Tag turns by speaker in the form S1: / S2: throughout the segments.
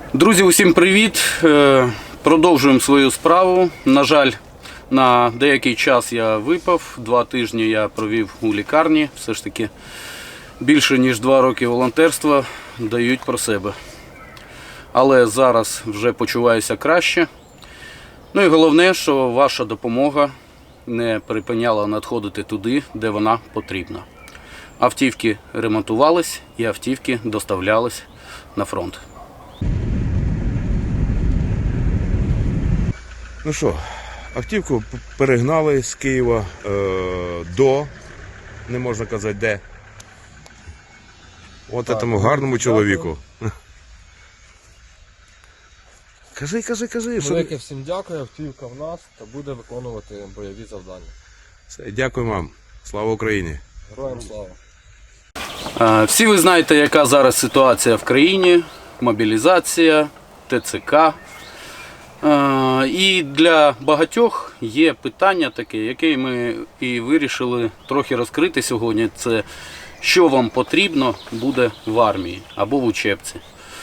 S1: Друзі, усім привіт! Продовжуємо свою справу. На жаль, на деякий час я випав, 2 тижні я провів у лікарні. Все ж таки більше ніж 2 роки волонтерства дають про себе. Але зараз вже почуваюся краще. Ну і головне, що ваша допомога не припиняла надходити туди, де вона потрібна. Автівки ремонтувались і автівки доставлялись на фронт.
S2: Ну що, автівку перегнали з Києва до, не можна казати де. От цьому гарному чоловіку. Кажи.
S3: Велике всім дякую, автівка в нас та буде виконувати бойові завдання.
S2: Все, дякую вам. Слава Україні.
S3: Героям слава.
S1: Всі ви знаєте, яка зараз ситуація в країні, мобілізація, ТЦК. І для багатьох є питання таке, яке ми і вирішили трохи розкрити сьогодні. Це що вам потрібно буде в армії або в учебці.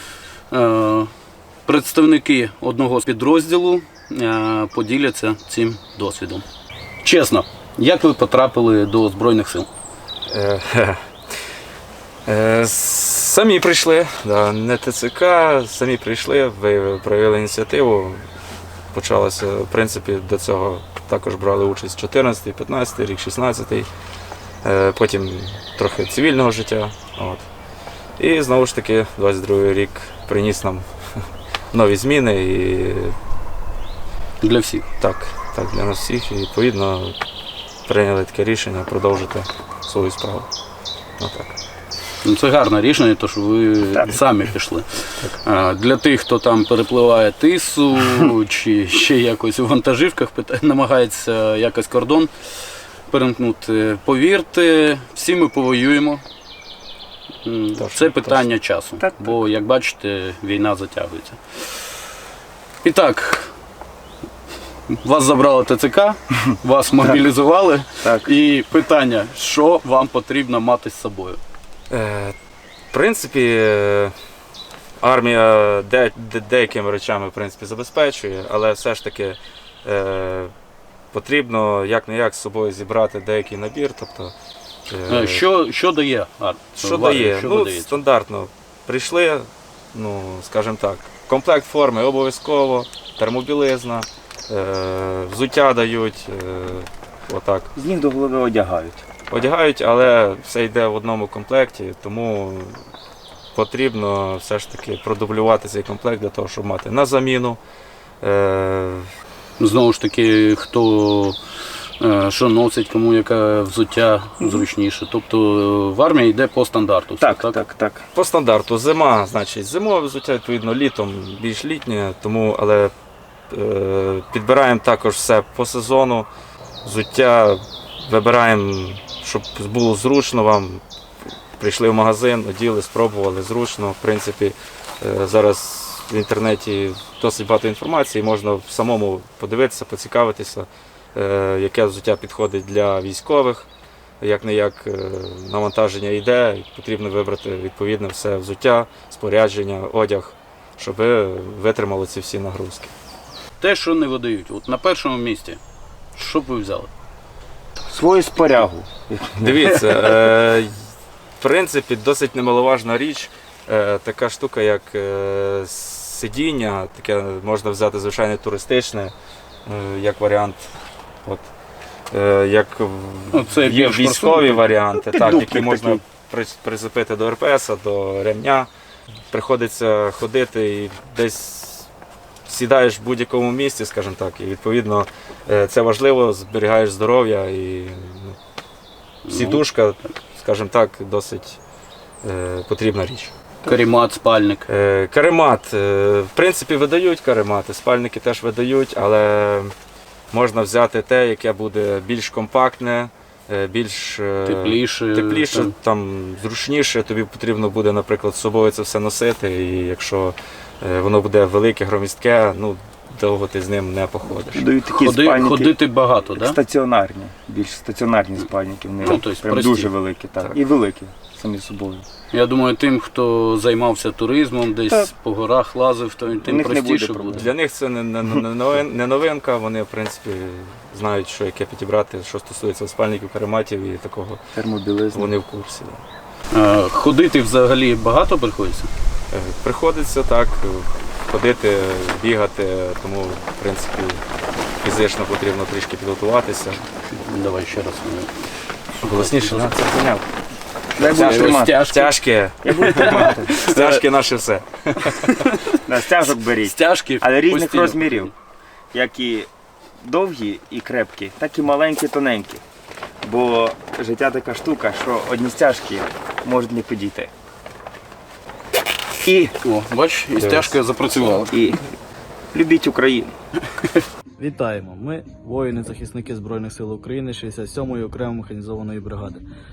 S1: Представники одного з підрозділу поділяться цим досвідом. Чесно, як ви потрапили до Збройних сил?
S4: Самі прийшли, не ТЦК, самі прийшли, проявили ініціативу. Почалося, в принципі, до цього також брали участь 14-й, 15-й рік, 16-й, потім трохи цивільного життя. От. І знову ж таки 22-й рік приніс нам нові зміни. І...
S1: Для всіх?
S4: Так, для нас всіх. І відповідно прийняли таке рішення продовжити свою справу. Отак.
S1: Ну, це гарне рішення, тому що ви самі пішли. Для тих, хто там перепливає Тису чи ще якось у вантажівках, намагається якось кордон перемкнути. Повірте, всі ми повоюємо. Це питання часу, бо, як бачите, війна затягується. І так, вас забрало ТЦК, вас мобілізували. І питання, що вам потрібно мати з собою?
S4: В принципі, армія деякими речами в принципі, забезпечує, але все ж таки потрібно як-не-як з собою зібрати деякий набір. Тобто,
S1: що дає?
S4: Що дає? Стандартно прийшли, скажімо так, комплект форми обов'язково, термобілизна, взуття дають, отак.
S5: З ніг до голови одягають.
S4: Одягають, але все йде в одному комплекті, тому потрібно все ж таки продублювати цей комплект для того, щоб мати на заміну.
S1: Знову ж таки, хто що носить, кому яке взуття зручніше. Тобто в армії йде по стандарту.
S5: Так.
S4: По стандарту зима, значить зимове взуття, відповідно літом більш літнє, але підбираємо також все по сезону. Взуття вибираємо, щоб було зручно вам. Прийшли в магазин, оділи, спробували, зручно. В принципі, зараз в інтернеті досить багато інформації, можна самому подивитися, поцікавитися, яке взуття підходить для військових, як-не-як навантаження йде, потрібно вибрати відповідне все взуття, спорядження, одяг, щоб витримало ці всі нагрузки.
S1: Те, що не видають, от на першому місці, що б ви взяли?
S5: Свою спорягу.
S4: Дивіться, в принципі, досить немаловажна річ, така штука, як сидіння, таке можна взяти звичайне туристичне, як варіант. От, як є військові варіанти, які можна прицепити до РПС, до ремня. Приходиться ходити і десь сідаєш в будь-якому місці, скажімо так, і відповідно це важливо, зберігаєш здоров'я і сідушка, скажімо так, досить потрібна річ.
S1: Каремат, спальник.
S4: Каремат, в принципі, видають каремати, спальники теж видають, але можна взяти те, яке буде більш компактне, більш тепліше, там, зручніше. Тобі потрібно буде, наприклад, з собою це все носити, і якщо воно буде велике, громістке, довго ти з ним не походиш.
S5: Дають такі спальники,
S1: ходити багато, так?
S5: Стаціонарні, більш стаціонарні спальники, вони прям дуже великі, так. І великі. самі собою.
S1: Я думаю, тим, хто займався туризмом, десь
S5: Так.
S1: по горах лазив, то
S5: У
S1: тим
S5: них не буде
S1: простіше
S5: проблем.
S1: буде.
S4: Для них це не новинка, вони в принципі знають, що яке підібрати, що стосується спальників, карематів і такого.
S5: Термобілизна.
S4: Вони в курсі. Да.
S1: Ходити взагалі багато приходиться?
S4: Приходиться так, ходити, бігати, тому в принципі фізично потрібно трішки підготуватися.
S1: Давай ще раз.
S4: Голосніше, да?
S5: Це поняв. Дай будеш тримати.
S4: Стяжки.
S5: Я буду тримати.
S4: Стяжки наше все.
S5: Да, стяжок беріть.
S1: Стяжки
S5: Але різних
S1: постійно.
S5: розмірів. Як і довгі і крепкі, так і маленькі, тоненькі. Бо життя така штука, що одні стяжки можуть не підійти.
S1: О, бач, і стяжка запрацювала.
S5: І любіть Україну.
S6: Вітаємо! Ми воїни-захисники Збройних сил України 67-ї окремої механізованої бригади.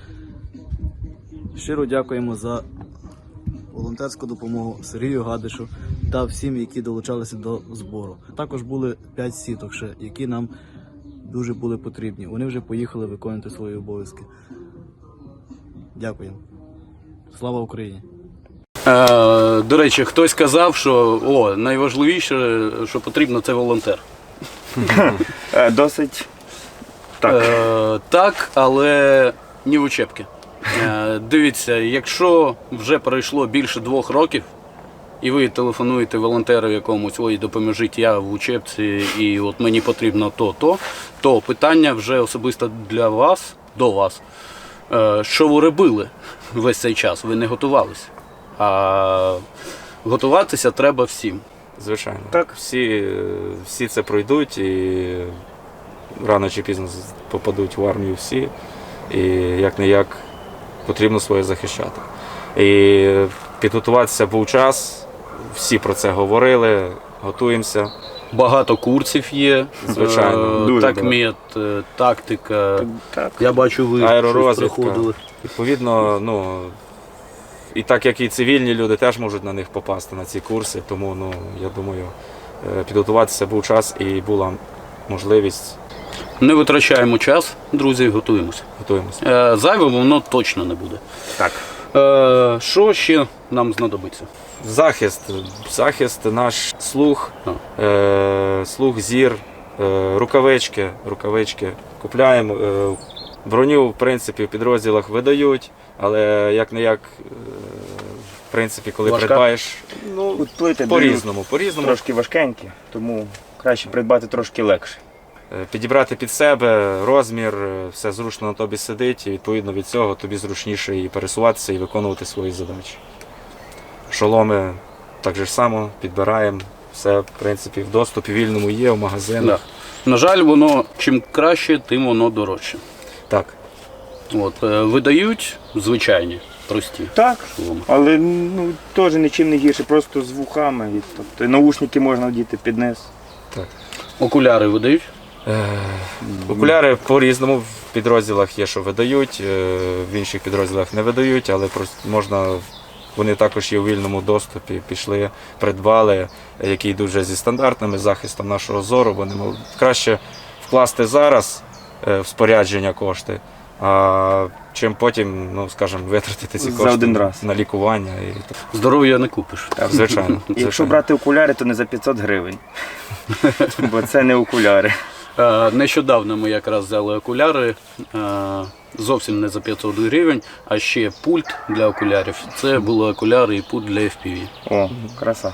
S6: Щиро дякуємо за волонтерську допомогу Сергію Гадишу та всім, які долучалися до збору. Також були 5 сіток ще, які нам дуже були потрібні. Вони вже поїхали виконувати свої обов'язки. Дякуємо. Слава Україні!
S1: До речі, хтось казав, що найважливіше, що потрібно, це волонтер.
S5: Досить так.
S1: Так, але ні в учебки. Дивіться, якщо вже пройшло більше 2 років, і ви телефонуєте волонтеру якомусь, ой, допоможіть, я в учебці, і от мені потрібно то питання вже особисто для вас, до вас. Що ви робили весь цей час? Ви не готувалися. А готуватися треба всім.
S4: Звичайно.
S5: Так.
S4: Всі це пройдуть і рано чи пізно попадуть в армію всі. І як-не-як потрібно своє захищати. І підготуватися був час, всі про це говорили, готуємося.
S1: Багато курсів є.
S4: Звичайно,
S5: дуже
S1: такмет, тактика.
S5: Так.
S1: Я бачу, ви щось
S4: Аеророзвідка.
S1: проходили.
S4: Відповідно, і так як і цивільні люди теж можуть на них попасти, на ці курси, тому, я думаю, підготуватися був час і була можливість.
S1: Не витрачаємо час, друзі, готуємося. Зайвим воно точно не буде.
S5: Так.
S1: Що ще нам знадобиться?
S4: Захист, наш слух, слух, зір, рукавички купляємо. Броню, в принципі, в підрозділах видають, але як-не-як, в принципі, коли
S1: Важка?
S4: придбаєш,
S5: Тут плити
S4: по-різному.
S5: трошки важкенькі, тому краще придбати трошки легше.
S4: Підібрати під себе розмір, все зручно на тобі сидить, і відповідно від цього тобі зручніше і пересуватися, і виконувати свої задачі. Шоломи так же ж само підбираємо, все, в принципі, в доступі вільному є, в магазинах.
S1: Да. На жаль, воно чим краще, тим воно дорожче.
S4: Так.
S1: Видають звичайні, прості
S5: Так,
S1: шоломи.
S5: але теж нічим не гірше, просто з вухами. Тобто наушники можна вдіти під низ.
S1: Окуляри видають.
S4: Окуляри по-різному в підрозділах є, що видають, в інших підрозділах не видають, але вони також є у вільному доступі, пішли, придбали, які йдуть вже зі стандартними захистом нашого зору, бо краще вкласти зараз в спорядження кошти, чим потім, скажімо, витратити ці
S5: За
S4: кошти
S5: один раз.
S4: на лікування.
S1: Здоров'я не купиш.
S4: Звичайно.
S5: Якщо брати окуляри, то не за 500 гривень. Бо це не окуляри.
S1: Нещодавно ми якраз взяли окуляри, зовсім не за 500 гривень, а ще пульт для окулярів. Це були окуляри і пульт для FPV.
S5: О, краса.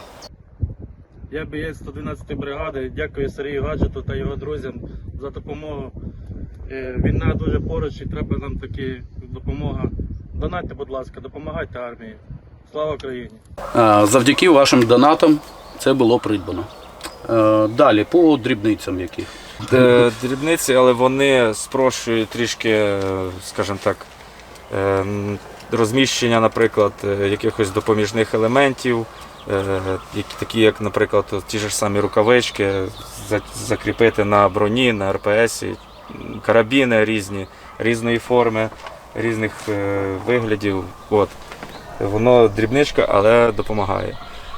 S6: Я боєць 112-ї бригади. Дякую Сергію Гаджету та його друзям за допомогу. Війна дуже поруч і треба нам таки допомога. Донатьте, будь ласка, допомагайте армії. Слава Україні!
S1: Завдяки вашим донатам це було придбано. Далі, по дрібницям яких.
S4: Дрібниці, але вони спрощують трішки, скажімо так, розміщення, наприклад, якихось допоміжних елементів, такі як, наприклад, ті ж самі рукавички, закріпити на броні, на РПСі, карабіни різної форми, різних виглядів. Воно дрібничка, але допомагає.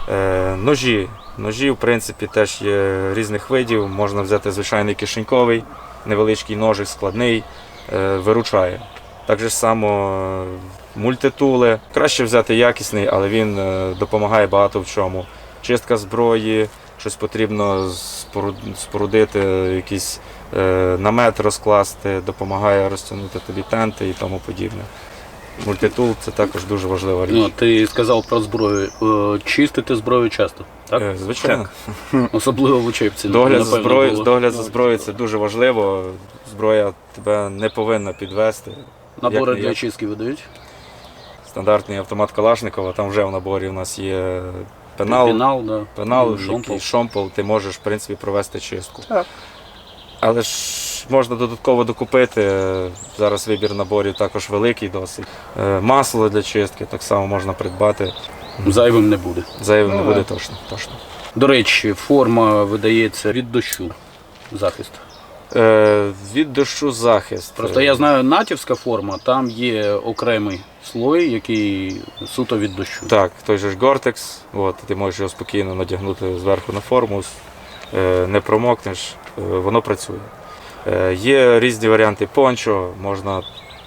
S4: Ножі, в принципі, теж є різних видів. Можна взяти звичайний кишеньковий, невеличкий ножик, складний, виручає. Так же само мультитули. Краще взяти якісний, але він допомагає багато в чому. Чистка зброї, щось потрібно спорудити, якийсь намет розкласти, допомагає розтягнути тобі тенти і тому подібне. Мультитул – це також дуже важлива річ.
S1: Ну, ти сказав про зброю. Чистити зброю часто, так?
S4: Звичайно.
S1: Особливо в учебці.
S4: Догляд за
S1: напевно,
S4: зброєю,
S1: було.
S4: догляд за зброєю – це дуже важливо. Зброя тебе не повинна підвести.
S1: Набори
S4: Як-не-як.
S1: для чистки видають?
S4: Стандартний автомат Калашникова, там вже в наборі у нас є пенал,
S1: Пенал,
S4: який шомпол, ти можеш в принципі провести чистку.
S5: Так.
S4: Але ж можна додатково докупити, зараз вибір наборів також великий досить. Масло для чистки так само можна придбати,
S1: Зайвим не буде.
S4: зайвим не буде точно.
S1: До речі, форма видається від дощу. Захист.
S4: Від дощу захист.
S1: Просто я знаю, натівська форма, там є окремий слой, який суто від дощу.
S4: Так, той же ж Гортекс, ти можеш його спокійно надягнути зверху на форму, не промокнеш, воно працює. Є різні варіанти пончо, можна,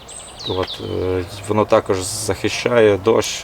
S4: воно також захищає дощ,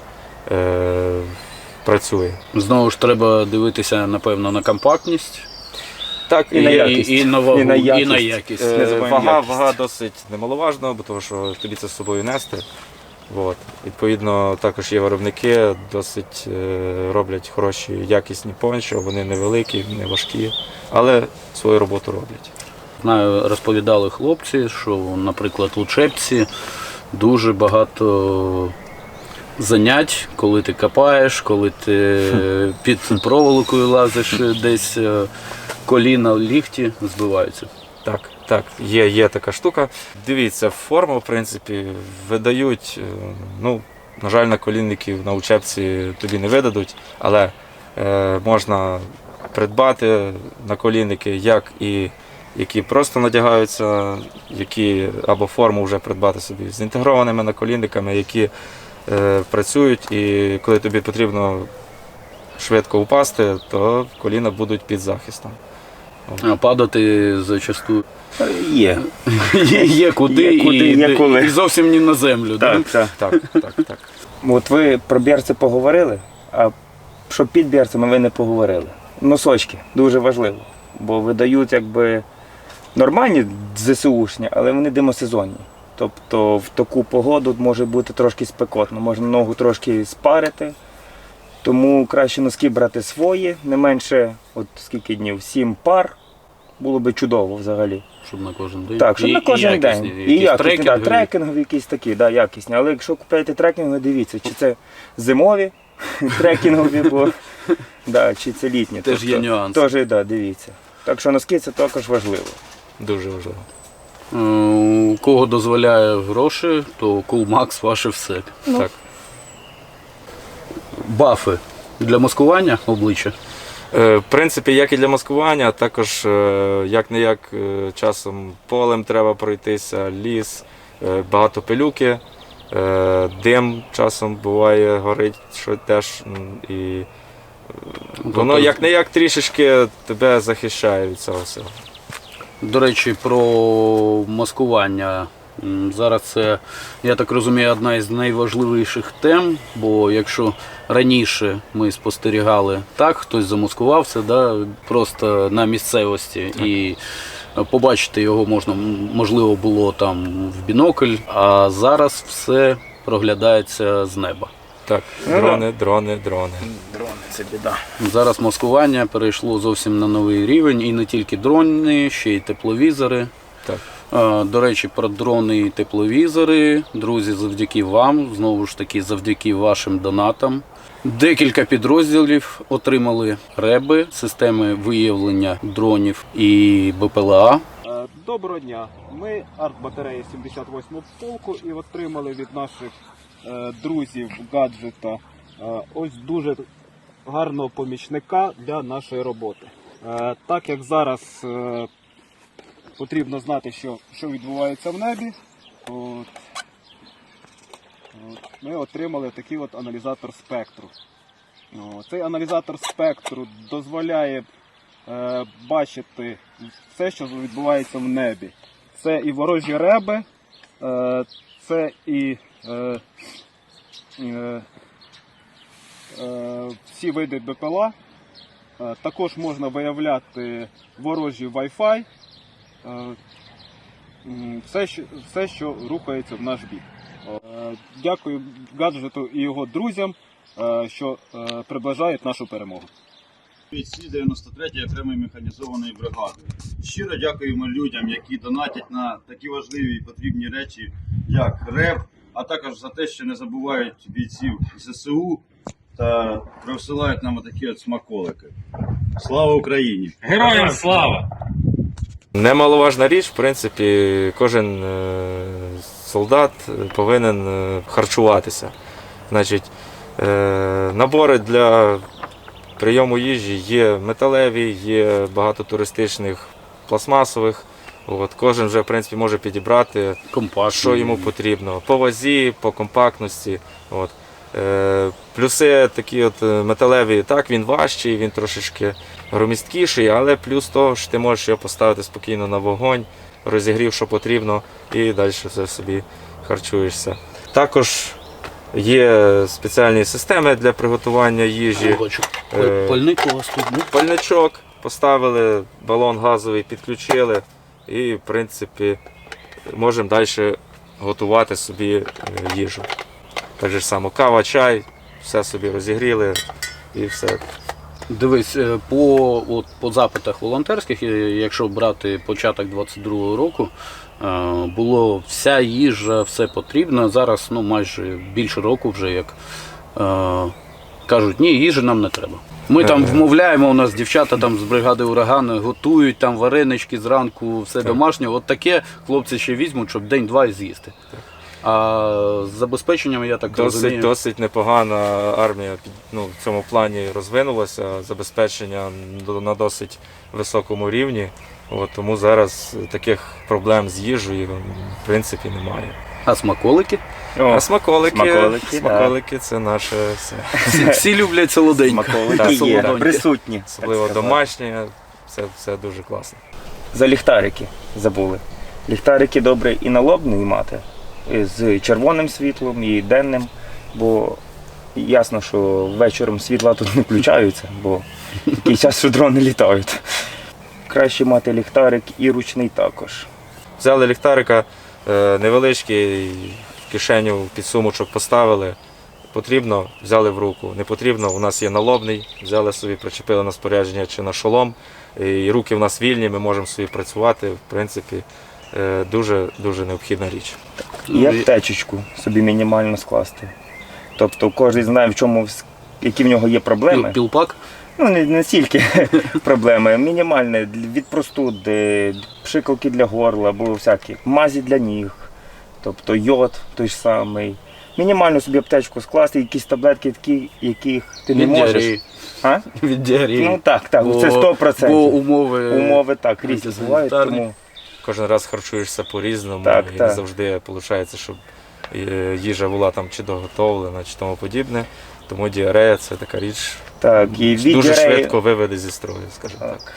S4: працює.
S1: Знову ж треба дивитися, напевно, на компактність.
S4: Так,
S5: І на якість.
S1: І на вагу,
S5: І на
S1: і
S5: якість.
S1: на якість.
S5: Не забуваємо якість.
S4: Вага досить немаловажна, бо тому що тобі це з собою нести. Відповідно, також є виробники, досить роблять хороші, якісні пончо, вони невеликі, не важкі, але свою роботу роблять.
S1: Знаю, розповідали хлопці, що, наприклад, в учебці дуже багато занять, коли ти копаєш, коли ти під проволокою лазиш, десь коліна, лікті збиваються.
S4: Так, є така штука. Дивіться, форму, в принципі, видають, на жаль, наколінників на учебці тобі не видадуть, але можна придбати наколінники, які просто надягаються, які або форму вже придбати собі з інтегрованими наколінниками, які працюють, і коли тобі потрібно швидко упасти, то коліна будуть під захистом.
S1: А падати зачасту
S5: Є.
S1: є куди,
S5: є коли.
S1: і зовсім не на землю.
S5: Так.
S4: Так.
S5: От ви про берці поговорили, а що під берцями ви не поговорили. Носочки дуже важливо, бо видають якби нормальні ЗСУшні, але вони димосезонні. Тобто в таку погоду може бути трошки спекотно, можна ногу трошки спарити, тому краще носки брати свої, не менше, от скільки днів, 7 пар, було би чудово взагалі.
S1: Щоб на кожен день.
S5: Так, щоб на кожен день. І якісні,
S1: трекінгові.
S5: трекінгові якісь такі, якісні. Але якщо купуєте трекінгові, дивіться, чи це зимові трекінгові, чи це літні.
S1: Теж є нюанси.
S5: Теж, дивіться. Так що носки це також важливо.
S4: Дуже важливо.
S1: У кого дозволяє гроші, то Coolmax ваше все.
S4: Так.
S1: Бафи для маскування обличчя.
S4: В принципі, як і для маскування, також як-не-як часом полем треба пройтися, ліс, багато пилюки, дим часом буває, горить, що теж. І воно як-не-як трішечки тебе захищає від цього всього.
S1: До речі, про маскування. Зараз це, я так розумію, одна із найважливіших тем, бо якщо раніше ми спостерігали так, хтось замаскувався, просто на місцевості, і побачити його можливо було там в бінокль, а зараз все проглядається з неба.
S4: Так, дрони.
S5: Дрони це біда.
S1: Зараз маскування перейшло зовсім на новий рівень, і не тільки дрони, ще й тепловізори.
S4: Так.
S1: До речі, про дрони і тепловізори. Друзі, завдяки вам, знову ж таки, завдяки вашим донатам. Декілька підрозділів отримали реби, системи виявлення дронів і БПЛА.
S7: Доброго дня. Ми артбатареї 78-го полку і отримали від наших друзів гаджета ось дуже гарного помічника для нашої роботи. Так як зараз потрібно знати, що відбувається в небі, ми отримали такий аналізатор спектру. Цей аналізатор спектру дозволяє бачити все, що відбувається в небі. Це і ворожі реби, це і всі види БПЛА. Також можна виявляти ворожі Wi-Fi, все, що рухається в наш бік. Дякую гаджету і його друзям, що приближають нашу перемогу.
S8: Бійці 93-ї окремої механізованої бригади. Щиро дякуємо людям, які донатять на такі важливі і потрібні речі, як РЕБ, а також за те, що не забувають бійців ЗСУ та присилають нам отакі от смаколики. Слава Україні!
S6: Героям слава!
S4: Немаловажна річ, в принципі, кожен солдат повинен харчуватися. Значить, набори для прийому їжі є металеві, є багато туристичних, пластмасових. От, кожен вже, в принципі, може підібрати, що йому потрібно. По вазі, по компактності. От. Плюси такі от металеві, так, він важчий, він трошечки громісткіший, але плюс того, що ти можеш його поставити спокійно на вогонь, розігрів, що потрібно, і далі все собі харчуєшся. Також є спеціальні системи для приготування їжі.
S1: Пальник у вас тут, ну?
S4: Пальничок поставили, балон газовий підключили і, в принципі, можемо далі готувати собі їжу. Так же само кава, чай, все собі розігріли і все.
S1: Дивись, по запитах волонтерських, якщо брати початок 22-го року, було вся їжа, все потрібно. Зараз майже більше року вже як кажуть, ні, їжі нам не треба. Ми там вмовляємо, у нас дівчата там з бригади «Ураган» готують там варенички зранку, все домашнє. От таке хлопці ще візьмуть, щоб день-два і з'їсти. А з забезпеченням, я так розумію...
S4: Досить непогана армія в цьому плані розвинулася, забезпечення на досить високому рівні. Тому зараз таких проблем з їжею в принципі немає.
S1: А смаколики?
S4: А смаколики це наше все.
S1: Всі люблять солоденько.
S5: Смаколики є, присутні.
S4: Особливо домашні, це дуже класно.
S5: За ліхтарики забули. Ліхтарики добре і налобний мати, з червоним світлом і денним, бо ясно, що вечором світла тут не включаються, бо такий час, що дрони літають. Краще мати ліхтарик і ручний також.
S4: Взяли ліхтарика невеличкий, в кишеню під сумочок поставили. Потрібно, взяли в руку. Не потрібно, у нас є налобний, взяли собі, причепили на спорядження чи на шолом. І руки в нас вільні, ми можемо собі працювати, в принципі, дуже необхідна річ.
S5: І аптечечку собі мінімально скласти. Тобто кожен знає, які в нього є проблеми.
S1: Пілпак?
S5: Не стільки проблеми, мінімальне від простуди, пшикалки для горла, або всякі мазі для ніг, тобто йод той ж самий. Мінімально собі аптечку скласти, якісь таблетки такі, яких ти не можеш.
S1: Від діареї.
S5: Так, це 100%.
S1: Бо
S5: умови так, різні бувають, тому...
S4: Кожен раз харчуєшся по-різному, і не завжди виходить, щоб їжа була там чи доготовлена, чи тому подібне. Тому діарея – це така річ, дуже швидко виведе зі строю, скажімо так.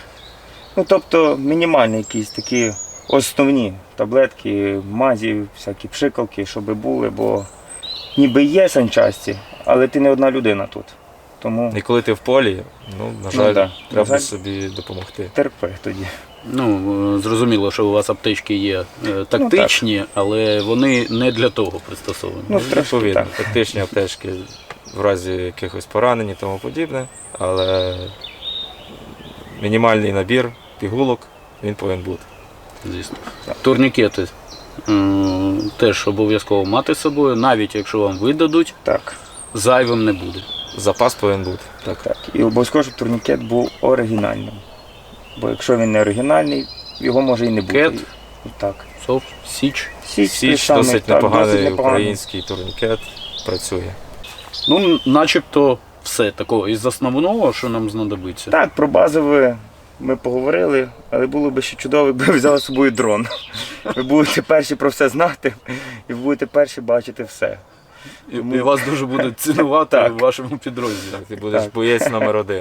S5: Тобто мінімальні якісь такі основні таблетки, мазі, всякі пшикалки, щоб були, бо ніби є санчасті, але ти не одна людина тут. Тому...
S4: І коли ти в полі, на жаль, треба собі допомогти.
S5: Терпи тоді.
S1: Зрозуміло, що у вас аптечки є тактичні, але вони не для того пристосовані.
S4: Відповідно, тактичні аптечки в разі якихось поранень і тому подібне, але мінімальний набір пігулок, він повинен бути.
S1: Звісно. Турнікети теж обов'язково мати з собою, навіть якщо вам видадуть, зайвим не буде.
S4: Запас повинен бути.
S5: Так. І обов'язково, щоб турнікет був оригінальним. Бо якщо він не оригінальний, його може і не бути.
S1: Кет,
S5: Сов,
S1: Січ.
S4: Січ досить непоганий український турнікет, працює.
S1: Начебто все такого із основного, що нам знадобиться.
S5: Так, про базове ми поговорили, але було б ще чудово, якби взяли з собою дрон. Ви будете перші про все знати і ви будете перші бачити все.
S1: І вас дуже будуть цінувати в вашому підрозділі.
S4: Ти будеш боєць номер 1.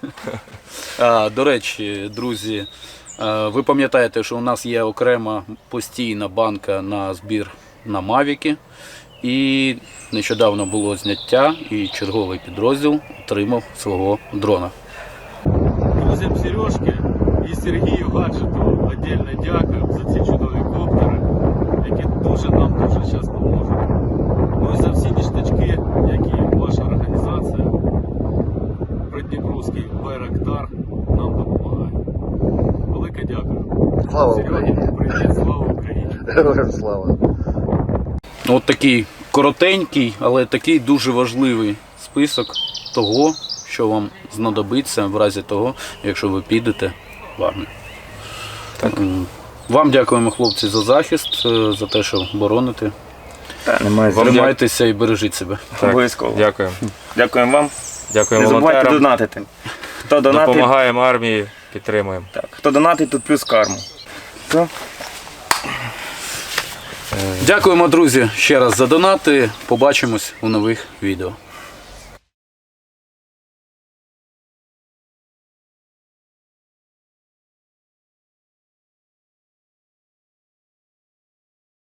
S1: До речі, друзі, ви пам'ятаєте, що у нас є окрема постійна банка на збір на Мавіки. І нещодавно було зняття, і черговий підрозділ отримав свого дрона.
S6: Друзям Сережки і Сергію Гаджету віддільно дякую за ці чудові коптери, які нам дуже зараз допоможуть. Ну і за всі ніштячки, які ваша організація, Придніпровський Байрактар, нам допомагає. Велике дякую.
S9: Слава
S6: Серега,
S9: Україні!
S6: привіт, слава Україні!
S9: Героям слава!
S1: От такий коротенький, але такий дуже важливий список того, що вам знадобиться в разі того, якщо ви підете в армію. Вам дякуємо, хлопці, за захист, за те, що бороните.
S5: Та, немає
S1: Тримайтеся і бережіть себе.
S5: Обов'язково.
S4: Дякую.
S5: Дякуємо вам.
S4: Дякуємо
S5: Не забувайте
S4: волонтерам.
S5: донатити. Хто донатить,
S4: Допомагаємо армії, підтримуємо.
S5: так, хто донатить, тут плюс карму. Все.
S1: Дякуємо, друзі, ще раз за донати. Побачимось у нових відео.